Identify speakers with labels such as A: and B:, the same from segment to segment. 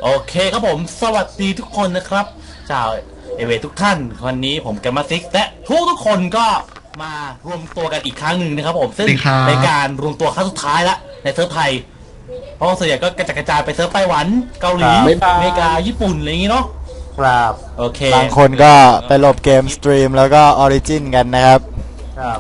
A: โอเคครับผมสวัสดีทุกคนนะครับชาวเอเวทุกท่านวันนี้ผมแกมมาซิกและทุกคนก็มารวมตัวกันอีกครั้งหนึ่งนะครับผมซึ่งในการรวมตัวครั้งสุดท้ายละในเซิร์ฟไทยเพราะส่วนใหญ่ก็กระจายไปเซิร์ฟไต้หวันเกาหลีอเมริกาญี่ปุ่นอะไรอย่างงี้เนาะ
B: ครับ
A: โอเค
C: บางคนก็ไปโหลดเกมสตรีมแล้วก็ออริจินกันนะครับ
B: ครับ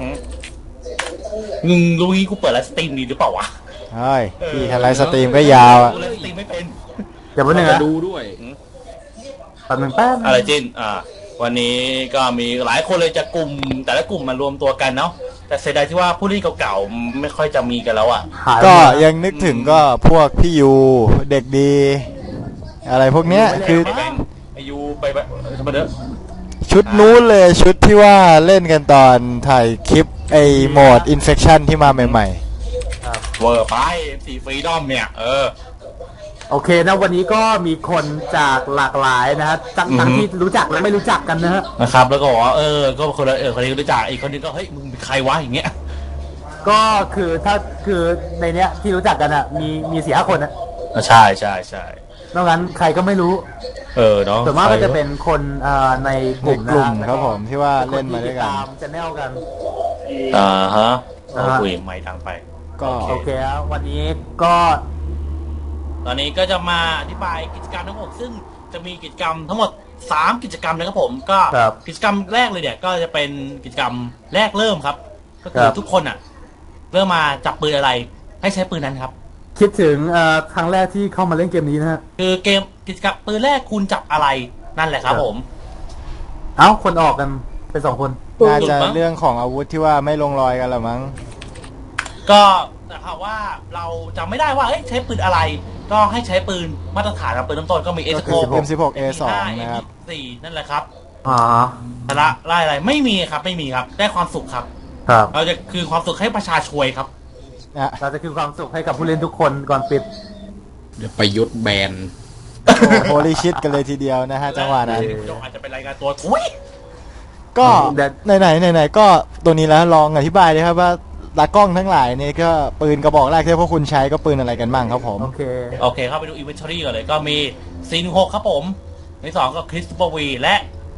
A: รู้งี้กูเปิดไลฟ์สตรีมดีหรือเปล่าวะ
C: เฮ้ยพี่ทำไลฟ์สตรีมก็ยาวอ่ะ
A: ไลฟ์สตรีมไม่เป็น
B: เดี๋ยววันหนึ่งนะ
D: ดูด้วย
B: แป๊บนึงแป๊บ
A: อะไรจินวันนี้ก็มีหลายคนเลยจะกลุ่มแต่ละกลุ่มมารวมตัวกันเนาะแต่เสียดายที่ว่าผู้เล่นเก่าๆไม่ค่อยจะมีกันแล้วอ่ะ
C: ก็ยังนึกถึงก็พวกพี่ยูเด็กดีอะไรพวกเนี้ยคือ
A: ไอยูไปทำไมเด้อ
C: ชุดนู้นเลยชุดที่ว่าเล่นกันตอนถ่ายคลิปไอโหมดอินเฟคชั่นที่มาใหม่
A: ๆเวอร์ไปสีฟรีดอมเนี่ย
B: โอเคนะวันนี้ก็มีคนจากหลากหลายนะฮะทั้งที่รู้จักและไม่รู้จักกันนะฮะ
A: นะครับแล้วก็บอกว่าก็คนละคนนี้รู้จักอีกคนนึงก็เฮ้ยมึงเป็นใครวะอย่างเงี้ย
B: ก็คือถ้าคือในเนี้ยที่รู้จักกันอ่ะมี4-5คนนะ
A: ใช่
B: นอกนั้นใครก็ไม่รู้
A: เนาะ
B: ส่วนมากก็จะเป็นคนในกลุ่ม
C: ครับผมที่ว่าเล่นมาด้วยกัน
B: ตามจะแนวกัน
A: ฮะคุยไม่ดังไป
B: ก็โอเคแล้ววันนี้ก็
A: ตอนนี้ก็จะมาอธิบายกิจกรรมทั้งหมดซึ่งจะมีกิจกรรมทั้งหมด3กิจกรรมนะครับผมก็กิจกรรมแรกเลยเนี่ยก็จะเป็นกิจกรรมแรกเริ่มครับก็คือทุกคนเริ่มมาจับปืนอะไรให้ใช้ปืนนั้นครับ
B: คิดถึงครั้งแรกที่เข้ามาเล่นเกมนี้นะฮะ
A: คือเกมกิจกรรมปืนแรกคุณจับอะไรนั่นแหละครับผม
B: คนออกกันเป็น2คน
C: น่าจะเรื่องของอาวุธที่ว่าไม่ลงรอยกันหรอมั้ง
A: ก็แต่ว่าเราจำไม่ได้ว่าใช้ปืนอะไรก็ให้ใช้ปืนมาตรฐานครับปืนน้ำต้นก็มี
C: M16 A2 นะครับ
A: นั่นแหละครับแต่ละไล่อะไรไม่มีครับได้ความสุขครับเราจะคือความสุขให้ประชาชนครับ
B: เราจะคือความสุขให้กับผู้เล่นทุกคนก่อนปิด
D: เดี๋ยวประยุทธ์แบน
C: โฮลี่ชิตกันเลยทีเดียวนะฮะจังหวะนั้น
A: อาจจะเป็นรายการตัวทุย
C: ก็ไหนก็ตัวนี้แล้วลองอธิบายเลยครับว่าตากล้องทั้งหลายเนี่ยก็ปืนกระบอกแรกที่พวกคุณใช้ก็ปืนอะไรกันบ้างครับผม
B: โอเค
A: เข้าไปดูอินเวนทอรี่ก่อนเลยก็มี C16 ครับผมใน2ก็คริสตัลวีและ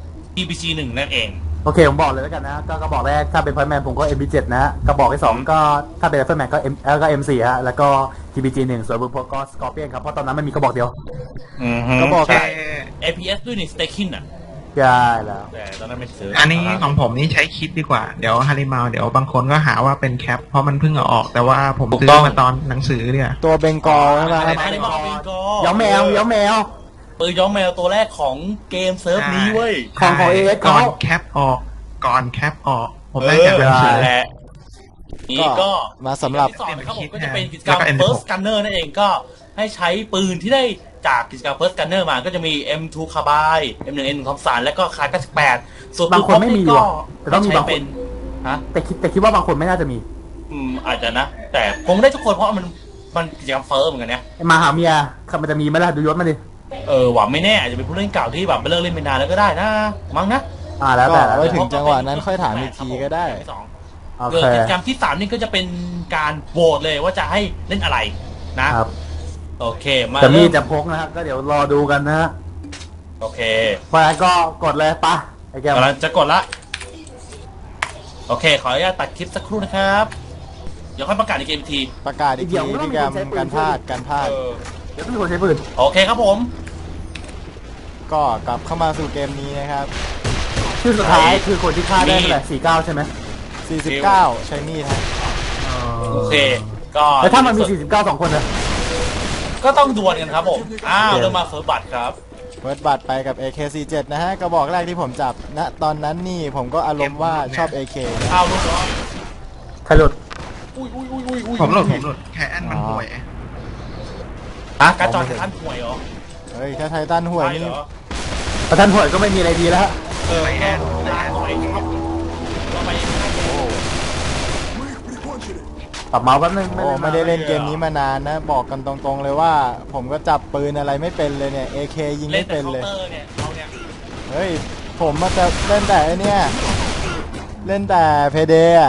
A: EPG1 นั่นเอง
B: โอเคผมบอกเลยแล้วกันนะก็กระบอกแรกถ้าเป็นพอยต์แมนผมก็ MP7 นะกระบอกที่2ก็ถ้าเป็นไรเฟิลแมนก็ M4 ฮะแล้วก็ TPG1 ส่วนบุพก็ Scorpion ครับเพราะตอนนั้นมันมีกระบอกเดียว
C: กระบอก
A: APS ด้วยนี่ Stakin
B: ใช่แล้ว
A: แต่ตอนนั้นไม่ซื้อ
E: อันนี้ของผมนี่ใช้คิดดีกว่าเดี๋ยวฮาริมาเดี๋ยวบางคนก็หาว่าเป็นแคปเพราะมันเพิ่งเอาออกแต่ว่าผมซื้อมาตอนหนังสือเนี่ย
C: ตัวเบงกอลใช่ไหม
A: ฮาริมาเบงกอล
B: ย้อมแมว
A: ปืนย้อมแมวตัวแรกของเกมเซิร์ฟนี้เว้ย
B: ของเอส
E: ก่อนแคปออกผมได้จากหนังสือ
A: แหละนี่ก็
C: มาสำหรับ
A: ครับผมก็จะเป็นกิจกรรม First Gunner นั่นเองก็ให้ใช้ปืนที่ได้จากกิจกรรม First Gunner มาก็จะมี M2 Carbine M1N ทอมสันและก็คาร์98
B: ส่วนบางคนไม่มีก็ต้องมีบางคนแต่คิดว่าบางคนไม่น่าจะมี
A: อาจจะนะแต่คงได้ทุกคนเพราะมันกิจกรรมเฟิร์สเหมือนกันเนี่ย
B: มาหาเมียมันจะมีไหมล่ะดูยศมาดิ
A: หวังไม่แน่อาจจะเป็นผู้เล่นเก่าที่แบบไปเลิกเล่นไปนานแล้วก็ได้นะมั้งนะ
B: แล้วแต่
C: ไว้ถึงจังหวะนั้นค่อยถามอีกทีก็ได้
A: กิจกรรมที่3นี่ก็จะเป็นการโหวตเลยว่าจะให้เล่นอะไรนะครับโอเคมา
B: จะมีจะพกนะฮะก็เดี๋ยวรอดูกันนะฮะ
A: โอเค
B: พอแล้วก็กดเลยปะไอ้แก
A: กำลังจะกดละโอเคขออนุญาตตัดคลิปสักครู่นะครับเดี๋ยวค่อยประกาศในเกมที
C: ประกาศอีกทีที่การพลาด
B: เดี๋ยวพี่คนใช้ปืน
A: โอเคครับผม
C: ก็กลับเข้ามาสู่เกมนี้นะครับ
B: ชื่อสุดท้ายคือคนที่ฆ่าได้เท่าไหร่49ใช่ไหม
C: 49ใช้มีดฮะ
A: โอเคก็
B: แล้วถ้ามันมี49 2คนนะ
A: ก็ต้องดวลกันครับผมเริ่มมาเฟิร์สบัตครับ
C: เฟิร์สบัตไปกับ AK47 นะฮะกระบอกแรกที่ผมจับณตอนนั้นนี่ผมก็อารมณ์ว่าชอบ AK
A: ลูกเหรอ
B: ใครหลุด
E: ผมหลุดแค่อันมันห่วย
A: การจอยไททันห่วยเหรอ
C: เฮ้ยถ้าไททันห่วยนี่
B: ไททันห่วยก็ไม่มีอะไรดีแล้ว
E: ไแอน
B: ปรับเมาส์แป๊บนึง
C: ไม่ได้เล่นเกมนี้มานานนะบอกกันตรงๆเลยว่าผมก็จับปืนอะไรไม่เป็นเลยเนี่ย AK ยิงไม่เป็นเลยเฮ้ยผมมาจะเล่นแต่เนี่ยเล่นแต่เพเดอะ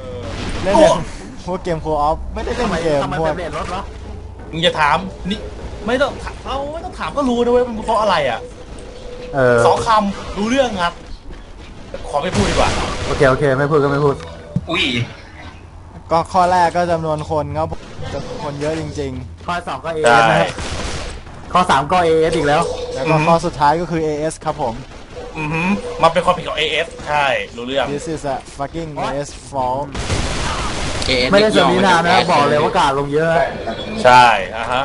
C: เล่นแต่พวกเกมโคออฟไม่ได้เล่นเกมพวก
A: มึงจะถามนี่ไม่ต้องถามก็รู้นะเว้ยมันเพราะอะไรอ่ะ สองคำรู้เรื่องครับขอไม่พูดดีกว่า
B: โอเคไม่พูดก็ไม่พูด
E: อุ้ย
C: ก็ข้อแรกก็จำนวนคนครับจำนวนคนเยอะจริง
B: ข้อ2ก็
A: ใช่
B: AS นะครับข้อ3ก็ AS อีกแล้ว
C: ๆ แล้วก็ข้อสุดท้ายก็คือ AS ครับผม
A: มันเป็นความผิดของ AF ใช่รู้เรื่อง
C: This is a fucking AS fault
B: ไม่ได้เสริมนินานนะบอกเลยว่ากาดลงเยอะ
A: ใช่อ่ะฮะ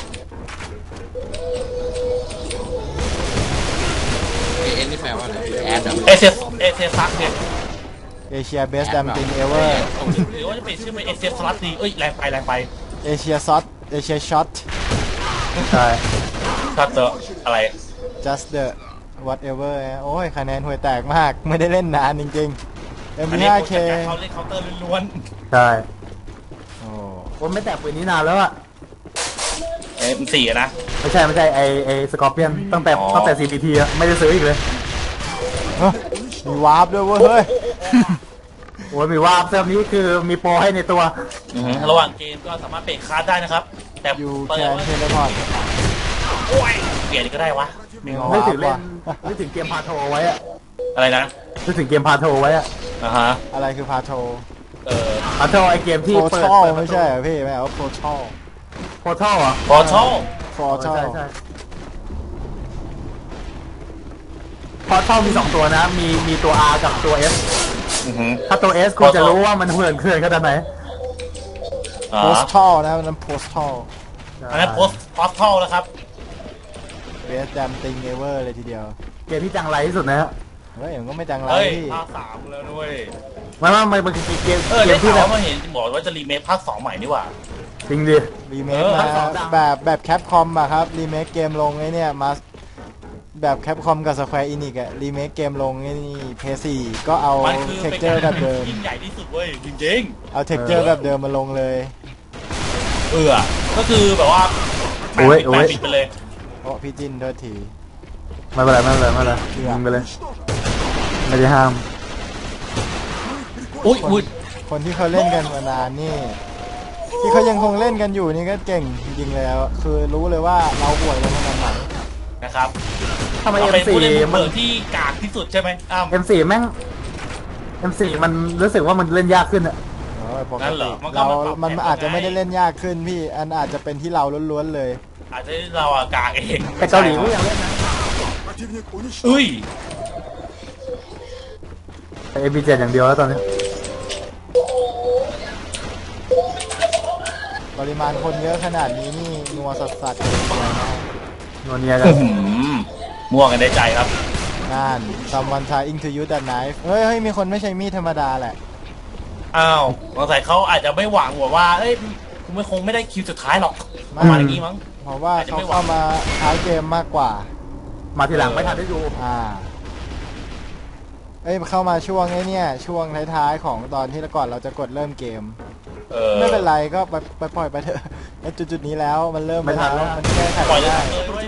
D: AS นี่แปลว่าอะไรแอดเหรอ
A: เอเซซักเนี่ย
C: Asia best damn thing ever
A: หรือว่าจะเป็นชื่อเป็นเอเซสลัตดีแรงไป
C: Asia shot Asia shot
B: ใช่
A: ถ้าเจออะไร
C: just the whatever โอ้ยคะแนนห่วยแตกมากไม่ได้เล่นนานจริงๆ
A: อันนี้
C: MP5K
A: เขาเล่นเคาน์เตอร์ล้วน
B: ใช่
C: โอ้
B: ผมไม่แตะปืนนี้นานแล้วอะ
A: ๆM4นะ
B: ไม่ใช่ไอสกอร์เปียนตั้งแต่
A: อ๋อ
B: CPT อะไม่ได้ซื้ออีกเลย
C: เฮ้ยมีวาร์ปด้วยเว้ยเฮ้ย
B: โอ้ยมีว่าเซิร์ฟนี้คือมีโปรให้ในตัว
A: ระหว่างเกมก็สามารถเปลี่ยนคลาสได้นะครับ แต่
C: อยู่
A: เปิด
C: แคน
A: ว่า
C: เทเลพอร์ต
A: โอ้ยเปลี่ยนก็ได้วะ
B: นึกถึงเล่นนึกถึงเกมพาโทไว้อะ
A: อะไรนะ
B: นึกถึงเกมพาโทไว้อะ
A: อ่าฮะ
C: อะไรคือพาโท
B: พาโทไอเกมที่
C: โพ
B: เปิด
C: ทัล
B: เปิด
C: ไม่ใช่เหรอพี่ไม่เอาโพทัล
B: โพทัลเหรอ
A: พอชอบ
C: โพ
B: ใช่
C: ทัล
B: ใช่พอทัลมี2ตัวนะ มีตัว R กับตัว S ถ้าตัว S คุณจะรู้ว่ามันเขื่อนขนาดไหน
A: อ่า
C: โพสทัลนะมันโพสทัล
A: อันนั้นโพสทัลนะครับ
C: best damn thing ever เลยทีเดียว
B: เกมที่จังไรที่สุดนะฮะ
C: เฮ้ยมันก็ไม่จังไร
A: เฮ้ย
C: พี่
A: ภาค 3แล้วด้วย
B: มันคือเกม
A: ได้
B: ที่
A: ข่าว
B: แบบ
A: ว่ามาเห็นบอกว่าจะรีเมคภาค 2 ใหม่นี่หว่า
B: จริงดิ
C: รีเมค
A: เออ
C: มา
B: ทั้งสองดัง
C: แบบแคปคอมอะครับรีเมคเกมลงไอ้เนี่ยมาแบบแคปคอมกับ Square Enix อะรีเมคเกมลงไอ้นี่ PS4 ก็เอา
A: มันคือ
C: เท็ก
A: เป็น
C: เจอร์แบบเดิม
A: ยิ่งใหญ่ที่สุดเว้ยจริง
C: เอาเท็กเจอร์แบบเดิมมาลงเลย
A: ก็คือแบบว่าแปดปิดไปเลย
C: โอ้พี่จินโทษที
B: ไม่เป็นไรยิงไปเลย ไม่ได้ห้าม
A: อุ้ย
C: คนที่เขาเล่นกันมานานนี่ ที่เขายังคงเล่นกันอยู่นี่ก็เก่งจริงๆแล้วคือรู้เลยว่าเราห่วยกันขนาดไหน
A: นะครับ
B: ทำไม
A: เราเป็น
B: M4
A: ผู้เล่นมือ
B: มัน
A: เปิดที่กากที่สุดใช่ไหมอ้าว
B: M4 แม่ง M4 มันรู้สึกว่ามันเล่นยากขึ้นอะ
C: โอ้ยปก
A: นั่นเหร
C: ติ
A: อมันก็
C: เรา
A: มาปรับ
C: มัน
A: แผน
C: อาจจะไม่ได้
A: ไง
C: เล่นยากขึ้นพี่อันอาจจะเป็นที่เราล้วนๆเลย
A: อาจจะเราอะกากเอง
B: แต่เกาหลีก็ยังเล่นนะ
A: อุ้ย
B: แต่ MP7 อย่างเดียวแล้วตอนนี้
C: ปริมาณคนเยอะขนาดนี้นี่นัวสัสๆเลยนะ
B: โนเนียกัน
A: ม่วงกันได้ใจครับ
C: นั่น someone trying to use that knife เฮ้ยมีคนไม่ใช่มีดธรรมดาแหละ
A: อ้าวสงสัยเขาอาจจะไม่หวังว่าเอ้ยคุณไม่คงไม่ได้คิวสุดท้ายหรอกประมาณอย่างนี้มั้ง
C: เพราะว่า
A: อาจจะ
C: เขา
A: ไม่หวัง
C: เข้ามาท้ายเกมมากกว่า
B: มาทีหลังไม่ทันได้ดู
C: เอ้ยเข้ามาช่วงไอ้เนี่ยช่วงท้ายๆของตอนที่ก่อนเราจะกดเริ่มเกม ไม่เป็นไรก็ไปปล่อยไปเถอะในจุดๆนี้แล้วมันเริ่ม
B: ไม่ทันแล้ว
C: มันแก้ไข
A: ปล่อย
C: ไม่
A: เลย
C: ได้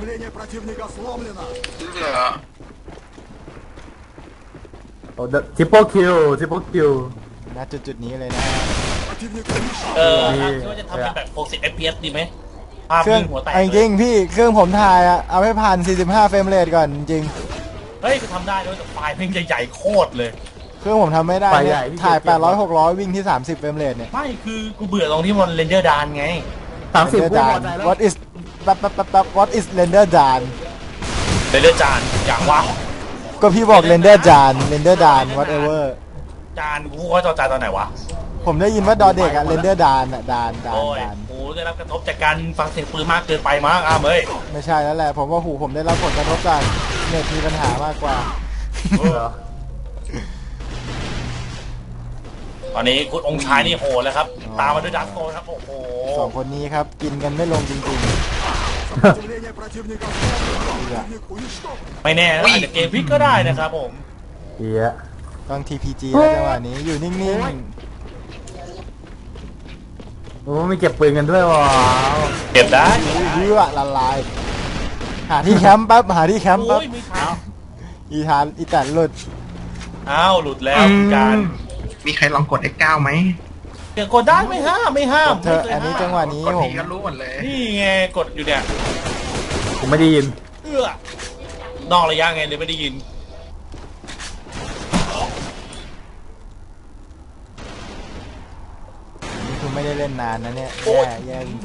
B: โอ้ทริปเปิลคิว
C: ณจุดๆนี้เลยนะ
A: คิดว่าจะทำเป็นแบบ60 fps ดีไหมภาพ
C: เครื่อง
A: นิ่งหัวแตก
C: จริงๆพี่เครื่องผมถ่ายอะเอาให้ผ่าน45เฟรมเรทก่อนจริง
A: เฮ้ยทำได้ด้วยแต่ไฟล์เพลงใหญ่ๆโคตรเลย
C: เครื่องผมทำไม่ได้เนี่ยถ่าย800 600วิ่งที่30เฟรมเรทเนี่ย
A: ไม่คือกูเบื่อตรงที่มันเรนเดอร์ดานไง
B: 30
C: Render
B: กูพอ
C: done
B: ใจแล้ว
C: What is What is render done
A: เรนเดอร์จานอย่างวะ
C: ก็พี่บอก render done render done whatever
A: จานกูว่าจอจานตอนไหนวะ
C: ผมได้ยินว่าดอเด็กอะ render done อะ done
A: โอ้ย
C: done
A: โหได้รับกระทบจากการฟังเสียงปืนมากเกินไปมั้งอ้าวเอ้ย
C: ไม่ใช่แล้วแหละ ผมว่าหูผมได้รับผลกระทบจากเน็ตมีปัญหามากกว่า
A: ตอนนี้คุณองค์ชายนี่โหดแล้วครับ ตามมาด้วยดักโกครับ โอ้โห
C: สองคนนี้ครับ กินกันไม่ลงจริง
A: ไม่แน่นะอาจจะเกมพลิกก็ได้นะครับผม
B: เหี้ย
C: ๆ ต้อง TPG แล้วจังหวะนี้อยู่นิ่ง
B: โอ้ไม่เก็บปืนกันด้วยวะ
A: เก็บได้
C: ๆเยื้อละลาย หาที่แคมป์แป๊บหาที่แคมป์แป๊บ
A: โอ้ยไม่ทัน
C: อีแต่หลุด
A: อ้าวหลุดแล้วคุณการ
E: มีใครลองกด X9 ไหม
A: เดี๋ยวกดได้ไม่ห้าม
C: เธออันนี้จังหวะนี้
E: กด
C: ผ
E: ที
C: ม
E: ก็รู้หมดเลย
A: นี่ไงกดอยู่เนี่ย
B: ผมไม่ได้ยิน
A: นอกระยะไงเลยไม่ได้ยิน
C: นี่คือไม่ได้เล่นนานนะเนี่ย
A: โอ๊ย
C: แย่จริง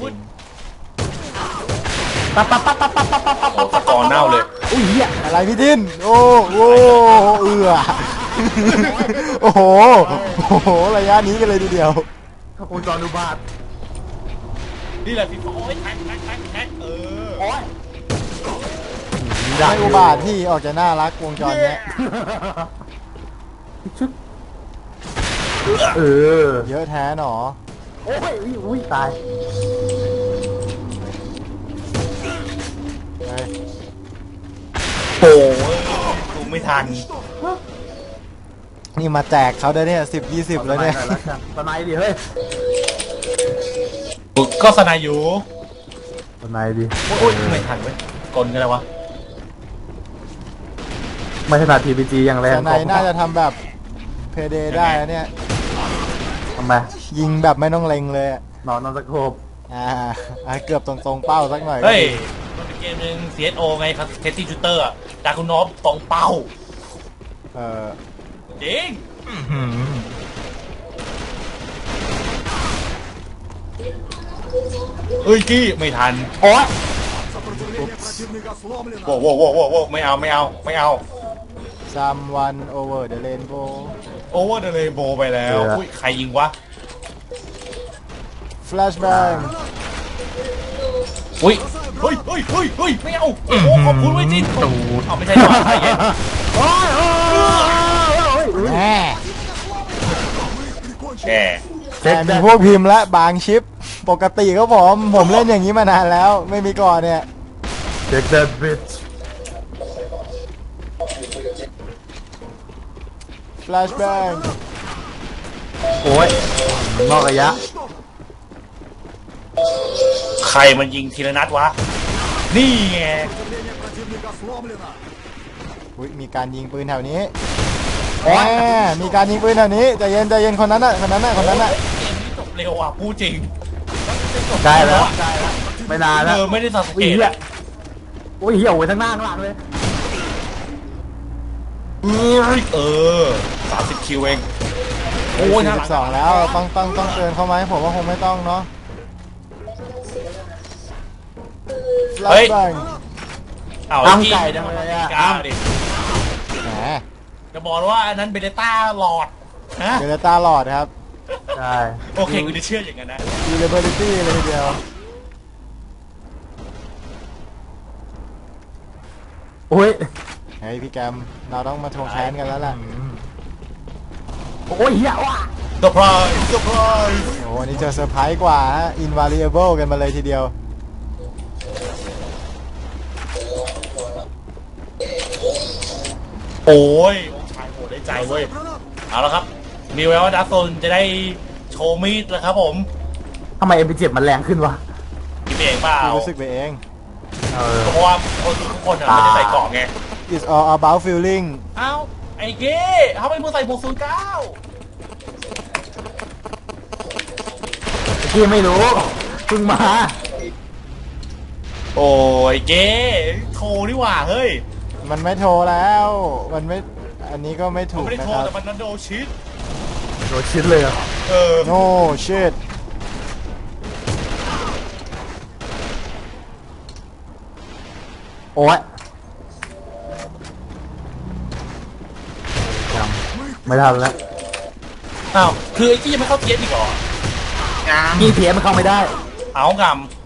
B: ปั๊บปั๊บปั๊บปั๊บปั๊บปั๊บปั๊บปั๊บ
A: โอ้ตะกอนเน่าเลย
B: อุ้ยเหี้ย
C: ๆอะไรพี่ทินโอ้โหเอือโอ้โหโอ้โหระยะนี้กันเลยทีเดียว
B: ขอบคุณจอห์นดูบาท
A: นี่แหละพี่โอ้ยแท็กเออ
B: โอ้ย
C: ไม่อุบาทที่ออกจะน่ารักวงจรเนี้ย
B: ชึกเออ
C: เยอะแท้หนอ
B: โอ้ยอุ้ยตาย
C: เฮ้ย
A: โอ้ยดูไม่ทัน
C: นี่มาแจกเขาได้เนี่ย10-20แล้วเนี่ย
B: สไนด์ดิเฮ้ย
A: ก็สนายอยู่
B: สไนด์ดิ
A: โอ้ยไม่ทันเว้ยกลกันเลยวะ
B: ไม่ถนัด TPG อย่างแรง
C: แต่ในน่าจะทำแบบเพเดได้นะเนี่ย
B: ทำไม
C: ยิงแบบไม่ต้องเล็งเลยอะ
B: นอนสโคป
C: เกือบตรงๆเป้าสักหน่อยก็
A: เฮ้ย
C: ดี
A: มันเป็นเกมหนึ่ง CSO ไงครับเทสตี้ชูเตอร์อะดาคุณนอฟตรงเป้า
C: เออ
A: จริง
E: อื้อหือ
A: เอ้ยกี้ไม่ทัน
B: โอ้ย
A: โว้โว้ไม่เอา
C: Someone over the rainbow
A: โอเวอร์เดเลยโบไปแล้วอุ้ยใครยิงวะ
C: Flashbang
A: อุ้ยเฮ้ยไม่เอาโอ้โหขอบคุณไว้ยจินตูดเอาไม่ใช่หรอใจเย็น
B: โอ้ยโอ้ยโอ้ย
C: แหม
A: แก
C: แต่มีพวกพิมพ์และบางชิป ปกติก็ผมเล่นอย่างนี้มานานแล้ว ไม่มีก่อนเนี่ย
B: เด็กเด็ดบิช
C: Flashbang
B: โอ้ยนอกระยะ
A: ใครมันยิงทีละนัดวะนี่ไง
C: อุ๊ยมีการยิงปืนแถวนี้แหมมีการยิงปืนแถวนี้ใจเย็นคนนั้นน่ะ
A: เกมนี้จบเร็วอ่ะพูดจริง
B: ใกล้แล้วไม่นานแล้ว
A: ไม่ได้สัง
B: อุ้
A: เก
B: ย
A: ต
B: เหี้ย
A: อะ
B: อุ้ยเหี้ยโอ้ยทั้งหน้าทั้งหลังเลย
A: เออ30 คิวเองโอ้ยน่ารัก
C: 42แล้วต้องเตือนเขาไหมผมว่าคงไม่ต้องเนาะ Flashbang
A: เอา
B: ตั้ง
A: กี้
B: ใจจังเลยอะ
A: ก้าวดิ
C: แหม
A: จะบอกว่าอันนั้นเบเนต้าหลอดฮะ
C: เดลต้าหลอดครับ
B: ใช่
A: โอเคกูจะเชื่ออย่างนั้นนะ
C: Durability เลยทีเดียว
B: โอ้ย
C: เฮ้ยพี่แกมเราต้องมาทวงแค้นกันแล้วล่ะ
B: โอ้ยเหี้ยว่ะ
A: เซอร์ไพรส์
C: โอ้โหนี่เจอเซอร์ไพรส์กว่าฮะ invariable กันมาเลยทีเดียว
A: โอ้ยองค์ชายโหได้ใจเว้ยเอาละครับ มีแววว่าดักโซนจะได้โชว์มีดแล้วครับผม
B: ทำไม MP7 มันแรงขึ้นวะ
A: คิดเองเปล่า
C: พี่รู้สึกไปเอง
A: เพราะว่าคนทุกคนอะไม่ได้ใส่เกล่องไง
C: it's all about feeling
A: เอ้าไอ้เก้ทำไมมึงใส่บวก09
B: พี่ไม่รู้เพิ่งมา
A: โอ้ยเก้โทรนี่หว่าเฮ้ย
C: มันไม่โทรแล้ว มันไม่ อันนี้ก็ไม่
A: มัน
C: ถูก
A: ไม่ได้
C: นะ
A: โทร
C: ครับ
A: แต่มันนั้นโดนชิด
B: โดนชิ้นเลยอะ
A: เออ
C: no shit
B: โอ้ยยังไม่ทันแล้ว
A: อ้าวคือไอ้กี้ยังไม่เข้าเทียนอีกเหรอ
E: ยัง
B: พี่เพียมันเข้าไม่ได้
A: เอาก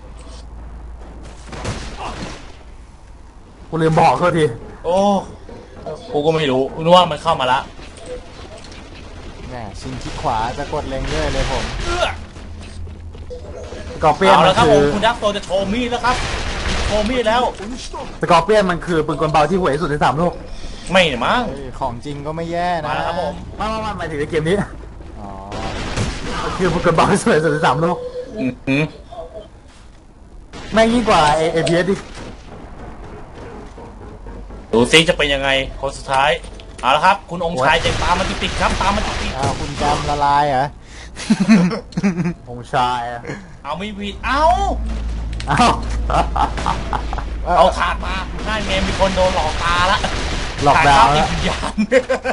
B: กูลืมบอกเขาที
A: ำโอ้กูก็ไม่รู้นึกว่ามันเข้ามาละ
C: แหมชิงที่ขวาจะกดเล็งด้วยเลยผม
A: เอื้อ
B: สกอร์เปียน
A: เอา
B: มั
A: ละ
B: น
A: ครับ
B: คื
A: ผม
B: อ
A: คุณดักโซจะโชว์มีดแล้วครับโชว์มีดแล้ว
B: สกอร์เปียนมันคือปืนกลเบาที่ห่วยที่สุดใน3 โลก
A: ไม่เนี่ยมั้ง
C: เฮ้ยของจริงก็ไม่แย่นะ
A: มาแล้วครับผม
B: ไม่หมายถึงในเกมนี้
C: อ๋อ
B: มันคือปืนกลเบาที่สวยที่สุดใน3 โลก
A: อื้อหือ
B: แม่งยิ่งกว่าเอพีเอสดิ
A: ดูซิจะเป็นยังไงคนสุดท้ายเอาละครับ คุณองค์ชายจะตามมาติดๆครับตามมาติด
C: อ้าวคุณแกมละลายเหรอ
B: องค์ชายอะ
A: ๆเอาไม่ผิดเอา
B: เอ้า
A: เอาถาดมาน่าเงมีคนโดนหลอกตาละ
B: หลอกดาวน์
A: ติ
B: แล้
A: ด
B: ว
A: วิญญาณ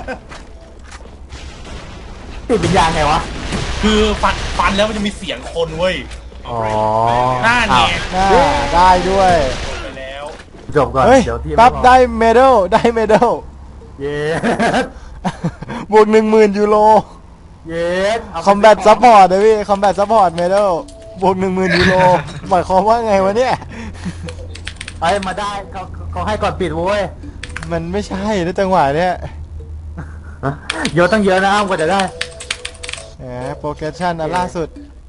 B: ติดวิญญาณไงวะ
A: คือฟันแล้วมันจะมีเสียงคนเว้ย
B: อ๋อ
A: หน้าเง
C: น่าได้ด้วย
A: ไปแล้ว
B: จบก่อน
C: เฮ้ย
B: เดี๋ยวที่
C: ปั๊บ
B: ม่บอก
C: ได้เมดัลได้เมดัล
B: เย้
C: บวก 10,000 ยูโร
B: เย้เาไป
C: คอมแบทซัพพอร์ตเลยพี่คอมแบทซัพพอร์ตเมดัลบวก 10,000 ยูโรหมายความว่าไงวะเนี่ย
B: เอ้ยมาได้เขาให้ก่อนปิดเว้ย
C: มันไม่ใช่ในจังหวะเนี้ย
B: เยอะตั้งเยอะนะอ้ามกว่าจะได้
C: แหมโปรเกรสชั่นอันล่าสุด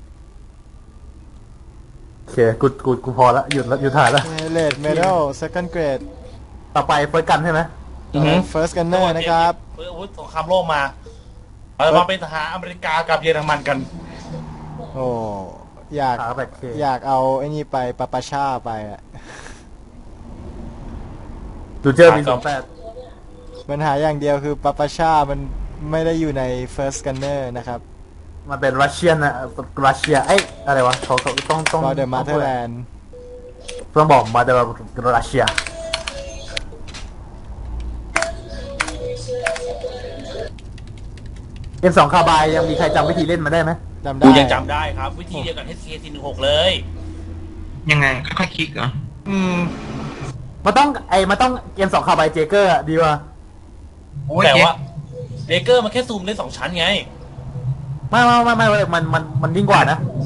B: โอเคกูพอละหยุดถ่ายละ
C: เลดเมดัล second grade
B: ต่อไปเฟิร์สกันใช่ไหม
C: first gunner นะครับ
A: เพื่ออาวุธสงครามโลกมาเรามาเป็นทหารอเมริกากับเยอรมันกัน
C: โอ้อยาก
B: ขาแบบเค
C: อยากเอาไอ้นี่ไปปาปาชาไปอะ
B: ดูเจอมี28
C: ปัญหาอย่างเดียวคือปาปาชามันไม่ได้อยู่ใน first gunner นะครับ
B: มันเป็นรัสเซียนนะรัสเซียเอ้ยอะไรวะเขาต้อง
C: for the motherland
B: ต้องบอกมาเดอรัสเซียเกม2คาบายยังมีใครจำวิธีเล่นมาได้ไหม
C: จำได้
A: ดูยังจำได้ครับ วิธีเดียวกับ HK416 เลย
E: ยังไงค่อยๆคลิกเหรอ
B: มันต้องเกม2คาบายเจเกอร์ดีกว่า
E: โอ้ย
A: แต่
E: เจ๊
A: ว่าเดเกอร์มันแค่ซูมได้2ชั้นไง
B: ไม่มันยิ่งกว่านะ